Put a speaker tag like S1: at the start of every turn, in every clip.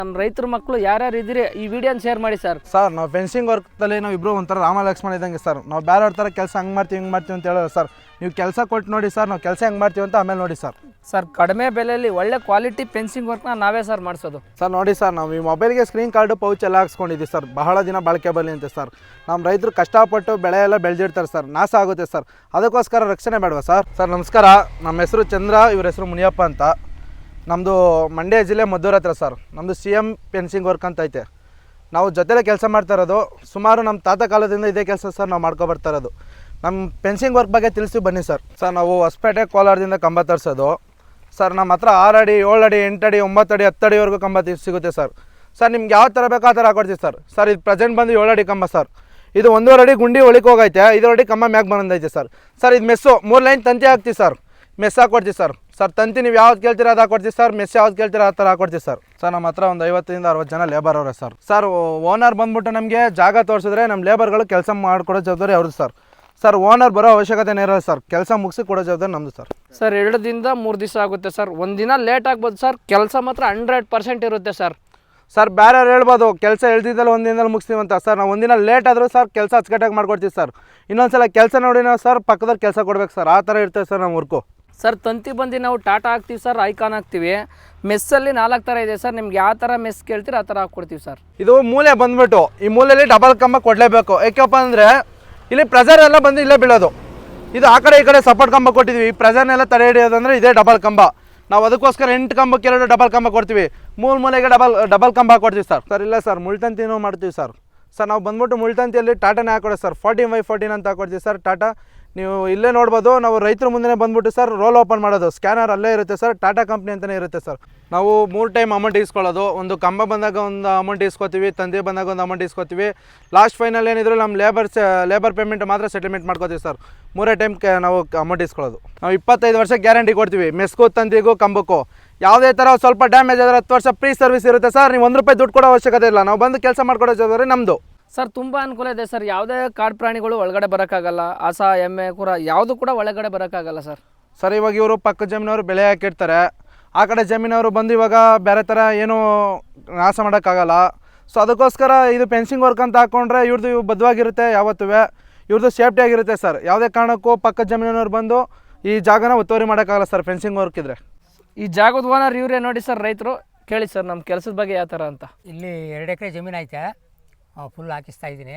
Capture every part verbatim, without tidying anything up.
S1: ನಮ್ಮ ರೈತರ ಮಕ್ಕಳು ಯಾರ್ಯಾರು ಇದ್ದೀರಿ ಈ ವಿಡಿಯೋನ ಶೇರ್ ಮಾಡಿ ಸರ್.
S2: ಸರ್ ನಾವು ಫೆನ್ಸಿಂಗ್ ವರ್ಕ್ದಲ್ಲಿ ನಾವು ಇಬ್ಬರು ಒಂಥರ ರಾಮ ಲಕ್ಷ್ಮಣ ಇದ್ದಂಗೆ ಸರ್. ನಾವು ಬೇರೆಯವ್ರ ಥರ ಕೆಲಸ ಹಂಗೆ ಮಾಡ್ತೀವಿ ಹಿಂಗೆ ಮಾಡ್ತೀವಿ ಅಂತ ಹೇಳೋರು ಸರ್. ನೀವು ಕೆಲಸ ಕೊಟ್ಟು ನೋಡಿ ಸರ್, ನಾವು ಕೆಲಸ ಹೆಂಗೆ ಮಾಡ್ತೀವಿ ಅಂತ ಆಮೇಲೆ ನೋಡಿ ಸರ್.
S1: ಸರ್ ಕಡಿಮೆ ಬೆಲೆಯಲ್ಲಿ ಒಳ್ಳೆ ಕ್ವಾಲಿಟಿ ಫೆನ್ಸಿಂಗ್ ವರ್ಕ್ನ ನಾವೇ ಸರ್ ಮಾಡಿಸೋದು
S2: ಸರ್. ನೋಡಿ ಸರ್, ನಾವು ಈ ಮೊಬೈಲ್ಗೆ ಸ್ಕ್ರೀನ್ ಕಾರ್ಡು ಪೌಚ್ ಎಲ್ಲ ಹಾಕ್ಸ್ಕೊಂಡಿದ್ದೀವಿ ಸರ್, ಬಹಳ ದಿನ ಬಾಳಿಕೆ ಬರಲಿ ಅಂತ ಸರ್. ನಮ್ಮ ರೈತರು ಕಷ್ಟಪಟ್ಟು ಬೆಳೆ ಎಲ್ಲ ಬೆಳೆದಿರ್ತಾರೆ ಸರ್, ನಾಶ ಆಗುತ್ತೆ ಸರ್, ಅದಕ್ಕೋಸ್ಕರ ರಕ್ಷಣೆ ಬೇಡವಾ ಸರ್. ಸರ್ ನಮಸ್ಕಾರ, ನಮ್ಮ ಹೆಸರು ಚಂದ್ರ, ಇವ್ರ ಹೆಸರು ಮುನಿಯಪ್ಪ ಅಂತ. ನಮ್ಮದು ಮಂಡ್ಯ ಜಿಲ್ಲೆ ಮದ್ದೂರು ಹತ್ರ ಸರ್. ನಮ್ಮದು ಸಿ ಎಮ್ ಫೆನ್ಸಿಂಗ್ ವರ್ಕ್ ಅಂತ ಐತೆ. ನಾವು ಜೊತೆಲೇ ಕೆಲಸ ಮಾಡ್ತಾ ಇರೋದು, ಸುಮಾರು ನಮ್ಮ ತಾತ ಕಾಲದಿಂದ ಇದೇ ಕೆಲಸ ಸರ್ ನಾವು ಮಾಡ್ಕೊಬರ್ತಾ ಇರೋದು. ನಮ್ಮ ಫೆನ್ಸಿಂಗ್ ವರ್ಕ್ ಬಗ್ಗೆ ತಿಳಿಸಿ ಬನ್ನಿ ಸರ್. ಸರ್ ನಾವು ಹೊಸಪೇಟೆ ಕೋಲಾರದಿಂದ ಕಂಬ ತರಿಸೋದು ಸರ್. ನಮ್ಮ ಹತ್ರ ಆರು ಅಡಿ ಏಳು ಅಡಿ ಎಂಟು ಅಡಿ ಒಂಬತ್ತು ಅಡಿ ಹತ್ತು ಅಡಿವರೆಗೂ ಕಂಬ ಸಿಗುತ್ತೆ ಸರ್. ಸರ್ ನಿಮ್ಗೆ ಯಾವ ಥರ ಬೇಕೋ ಆ ಥರ ಹಾಕೊಡ್ತೀವಿ ಸರ್. ಸರ್ ಇದು ಪ್ರೆಸೆಂಟ್ ಬಂದು ಏಳು ಅಡಿ ಕಂಬ ಸರ್. ಇದು ಒಂದೂವರೆ ಅಡಿ ಗುಂಡಿ ಒಳಗೆ ಹೋಗೈತೆ, ಐದು ಅಡಿ ಕಂಬ ಮ್ಯಾಗ್ ಬಂದೈತೆ ಸರ್. ಸರ್ ಇದು ಮೆಸ್ಸು ಮೂರು ಲೈನ್ ತಂತಿ ಹಾಕ್ತೀವಿ ಸರ್, ಮೆಸ್ ಹಾಕೊಡ್ತೀವಿ ಸರ್. ಸರ್ ತಂತಿ ನೀವು ಯಾವ್ದು ಕೇಳ್ತೀರ ಅದು ಹಾಕೊಡ್ತೀವಿ ಸರ್, ಮೆಸ್ ಯಾವ್ದು ಕೇಳ್ತೀರ ಆ ಥರ ಹಾಕೊಡ್ತೀವಿ ಸರ್. ಸರ್ ನಮ್ಮ ಹತ್ರ ಒಂದು ಐವತ್ತರಿಂದ ಅರವತ್ತು ಜನ ಲೇಬರ್ ಅವರೇ ಸರ್. ಸರ್ ಓನರ್ ಬಂದ್ಬಿಟ್ಟು ನಮಗೆ ಜಾಗ ತೋರಿಸಿದ್ರೆ ನಮ್ಮ ಲೇಬರ್ಗಳು ಕೆಲಸ ಮಾಡಿಕೊಡೋ ಜವಾಬ್ದಾರಿ ಅವ್ರದ್ದು ಸರ್. ಸರ್ ಓನರ್ ಬರೋ ಅವಶ್ಯಕತೆ ಇರೋಲ್ಲ ಸರ್, ಕೆಲಸ ಮುಗಿಸಿ ಕೊಡೋ ಜವಾಬ್ದಾರಿ ನಮ್ಮದು ಸರ್.
S1: ಸರ್ ಎರಡು ದಿನದ ಮೂರು ದಿವಸ ಆಗುತ್ತೆ ಸರ್, ಒಂದು ದಿನ ಲೇಟ್ ಆಗ್ಬೋದು ಸರ್, ಕೆಲಸ ಮಾತ್ರ ಹಂಡ್ರೆಡ್ ಪರ್ಸೆಂಟ್ ಇರುತ್ತೆ ಸರ್.
S2: ಸರ್ ಬೇರೆಯವ್ರು ಹೇಳ್ಬೋದು ಕೆಲಸ ಹೇಳ್ತಿದ್ದಲ್ಲ ಒಂದು ದಿನದಲ್ಲಿ ಮುಗಿಸ್ತೀವಿ ಅಂತ ಸರ್. ನಾವು ಒಂದಿನ ಲೇಟ್ ಆದರೂ ಸರ್ ಕೆಲಸ ಅಚ್ಚುಕಟ್ಟಾಗಿ ಮಾಡ್ಕೊಡ್ತೀವಿ ಸರ್. ಇನ್ನೊಂದು ಸಲ ಕೆಲಸ ನೋಡಿ ನಾವು ಸರ್ ಪಕ್ಕದಲ್ಲಿ ಕೆಲಸ ಕೊಡ್ಬೇಕು ಸರ್, ಆ ಥರ ಇರ್ತದೆ ಸರ್ ನಮ್ಮ ವರ್ಕು.
S1: ಸರ್ ತಂತಿ ಬಂದು ನಾವು ಟಾಟಾ ಹಾಕ್ತೀವಿ ಸರ್, ಐಕಾನ್ ಹಾಕ್ತೀವಿ. ಮೆಸ್ಸಲ್ಲಿ ನಾಲ್ಕು ಥರ ಇದೆ ಸರ್, ನಿಮ್ಗೆ ಯಾವ ಥರ ಮೆಸ್ ಕೇಳ್ತೀರ ಆ ಥರ ಹಾಕ್ಕೊಡ್ತೀವಿ ಸರ್.
S2: ಇದು ಮೂಲೆ ಬಂದುಬಿಟ್ಟು ಈ ಮೂಲೆಯಲ್ಲಿ ಡಬಲ್ ಕಂಬ ಕೊಡಲೇಬೇಕು. ಏಕಪ್ಪ ಅಂದರೆ ಇಲ್ಲಿ ಪ್ರೆಸರ್ ಎಲ್ಲ ಬಂದು ಇಲ್ಲೇ ಬೀಳೋದು. ಇದು ಆ ಕಡೆ ಈ ಕಡೆ ಸಪೋರ್ಟ್ ಕಂಬ ಕೊಟ್ಟಿದ್ವಿ, ಈ ಪ್ರೆಸರ್ನೆಲ್ಲ ತಡೆ ಹಿಡಿಯೋದಂದರೆ ಇದೇ ಡಬಲ್ ಕಂಬ. ನಾವು ಅದಕ್ಕೋಸ್ಕರ ಎಂಟು ಕಂಬಕ್ಕೆ ಎರಡು ಡಬಲ್ ಕಂಬ ಕೊಡ್ತೀವಿ, ಮೂರು ಮೂಲೆಗೆ ಡಬಲ್ ಡಬಲ್ ಕಂಬ ಕೊಡ್ತೀವಿ ಸರ್. ಸರ್ ಇಲ್ಲ ಸರ್, ಮುಳ್ತಂತಿನೂ ಮಾಡ್ತೀವಿ ಸರ್. ಸರ್ ನಾವು ಬಂದ್ಬಿಟ್ಟು ಮುಳ್ತಂತಿಯಲ್ಲಿ ಟಾಟಾನೇ ಹಾಕೊಡೋದು ಸರ್, ಫೋರ್ಟೀನ್ ಬೈ ಫೋರ್ಟೀನ್ ಅಂತ ಹಾಕೊಡ್ತೀವಿ ಸರ್. ಟಾಟಾ ನೀವು ಇಲ್ಲೇ ನೋಡ್ಬೋದು. ನಾವು ರೈತರ ಮುಂದೆ ಬಂದ್ಬಿಟ್ಟು ಸರ್ ರೋಲ್ ಓಪನ್ ಮಾಡೋದು, ಸ್ಕ್ಯಾನರ್ ಅಲ್ಲೇ ಇರುತ್ತೆ ಸರ್, ಟಾಟಾ ಕಂಪ್ನಿ ಅಂತಲೇ ಇರುತ್ತೆ ಸರ್. ನಾವು ಮೂರು ಟೈಮ್ ಅಮೌಂಟ್ ಇಸ್ಕೊಳ್ಳೋದು, ಒಂದು ಕಂಬ ಬಂದಾಗ ಒಂದು ಅಮೌಂಟ್ ಇಸ್ಕೊತೀವಿ, ತಂದೆ ಬಂದಾಗ ಒಂದು ಅಮೌಂಟ್ ಇಸ್ಕೊತೀವಿ. ಲಾಸ್ಟ್ ಫೈನಲ್ ಏನಿದ್ರು ನಮ್ಮ ಲೇಬರ್ ಲೇಬರ್ ಪೇಮೆಂಟ್ ಮಾತ್ರ ಸೆಟಲ್ಮೆಂಟ್ ಮಾಡ್ಕೋತೀವಿ ಸರ್. ಮೂರೇ ಟೈಮ್ ನಾವು ಅಮೌಂಟ್ ಇಸ್ಕೊಳ್ಳೋದು. ನಾವು ಇಪ್ಪತ್ತೈದು ವರ್ಷ ಗ್ಯಾರಂಟಿ ಕೊಡ್ತೀವಿ, ಮೆಸ್ಗೂ ತಂತಿಗೂ ಕಂಬಕ್ಕೂ. ಯಾವುದೇ ಥರ ಸ್ವಲ್ಪ ಡ್ಯಾಮೇಜ್ ಆದರೆ ಹತ್ತು ವರ್ಷ ಫ್ರೀ ಸರ್ವಿಸ್ ಇರುತ್ತೆ ಸರ್. ನೀವು ಒಂದು ರೂಪಾಯಿ ದುಡ್ಡು ಕೊಡೋ ಅವಶ್ಯಕತೆ ಇಲ್ಲ, ನಾವು ಬಂದು ಕೆಲಸ ಮಾಡ್ಕೊಡೋ ಜವಾಬ್ದಾರಿ ನಮ್ಮದು
S1: ಸರ್. ತುಂಬ ಅನುಕೂಲ ಇದೆ ಸರ್, ಯಾವುದೇ ಕಾಡು ಪ್ರಾಣಿಗಳು ಒಳಗಡೆ ಬರೋಕ್ಕಾಗಲ್ಲ, ಹಸ ಎಮ್ಮೆ ಕುರ ಯಾವುದು ಕೂಡ ಒಳಗಡೆ ಬರೋಕ್ಕಾಗಲ್ಲ ಸರ್.
S2: ಸರ್ ಇವಾಗ ಇವರು ಪಕ್ಕ ಜಮೀನವರು ಬೆಳೆ ಹಾಕಿರ್ತಾರೆ, ಆ ಕಡೆ ಜಮೀನವರು ಬಂದು ಇವಾಗ ಬೇರೆ ಥರ ಏನೂ ನಾಶ ಮಾಡೋಕ್ಕಾಗಲ್ಲ. ಸೊ ಅದಕ್ಕೋಸ್ಕರ ಇದು ಫೆನ್ಸಿಂಗ್ ವರ್ಕ್ ಅಂತ ಹಾಕ್ಕೊಂಡ್ರೆ ಇವ್ರದ್ದು ಬದ್ಧವಾಗಿರುತ್ತೆ, ಯಾವತ್ತೂ ಇವ್ರದ್ದು ಸೇಫ್ಟಿಯಾಗಿರುತ್ತೆ ಸರ್. ಯಾವುದೇ ಕಾರಣಕ್ಕೂ ಪಕ್ಕ ಜಮೀನವ್ರು ಬಂದು ಈ ಜಾಗನ ಒತ್ತುವರಿ ಮಾಡೋಕ್ಕಾಗಲ್ಲ ಸರ್ ಫೆನ್ಸಿಂಗ್ ವರ್ಕ್ ಇದ್ದರೆ.
S1: ಈ ಜಾಗದ ಓನರ್ ಇವರೇ ನೋಡಿ ಸರ್, ರೈತರು ಕೇಳಿ ಸರ್ ನಮ್ಮ ಕೆಲಸದ ಬಗ್ಗೆ ಯಾವ ಥರ ಅಂತ.
S3: ಇಲ್ಲಿ ಎರಡು ಎಕರೆ ಜಮೀನು ಐತೆ, ಫುಲ್ ಹಾಕಿಸ್ತಾ ಇದ್ದೀನಿ.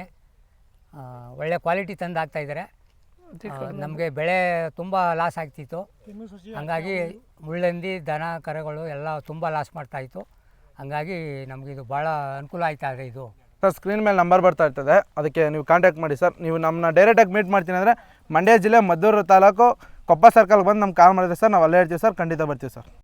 S3: ಒಳ್ಳೆ ಕ್ವಾಲಿಟಿ ತಂದು ಹಾಕ್ತಾಯಿದ್ದಾರೆ. ನಮಗೆ ಬೆಳೆ ತುಂಬ ಲಾಸ್ ಆಗ್ತಿತ್ತು, ಹಂಗಾಗಿ ಮುಳ್ಳಂದಿ ದನ ಕರೆಗಳು ಎಲ್ಲ ತುಂಬ ಲಾಸ್ ಮಾಡ್ತಾಯಿತ್ತು. ಹಂಗಾಗಿ ನಮಗಿದು ಭಾಳ ಅನುಕೂಲ ಆಯ್ತಾ ಇದೆ ಇದು.
S2: ಸರ್ ಸ್ಕ್ರೀನ್ ಮೇಲೆ ನಂಬರ್ ಬರ್ತಾ ಇರ್ತದೆ, ಅದಕ್ಕೆ ನೀವು ಕಾಂಟ್ಯಾಕ್ಟ್ ಮಾಡಿ ಸರ್. ನೀವು ನಮ್ಮನ್ನ ಡೈರೆಕ್ಟಾಗಿ ಮೀಟ್ ಮಾಡ್ತೀನಿ ಅಂದರೆ ಮಂಡ್ಯ ಜಿಲ್ಲೆ ಮದ್ದೂರು ತಾಲೂಕು ಕೊಪ್ಪ ಸರ್ಕಲ್ಗೆ ಬಂದು ನಮ್ಗೆ ಕಾಲ್ ಮಾಡಿದ್ರೆ ಸರ್ ನಾವು ಅಲ್ಲೇ ಇರ್ತೀವಿ ಸರ್, ಖಂಡಿತ ಬರ್ತೀವಿ ಸರ್.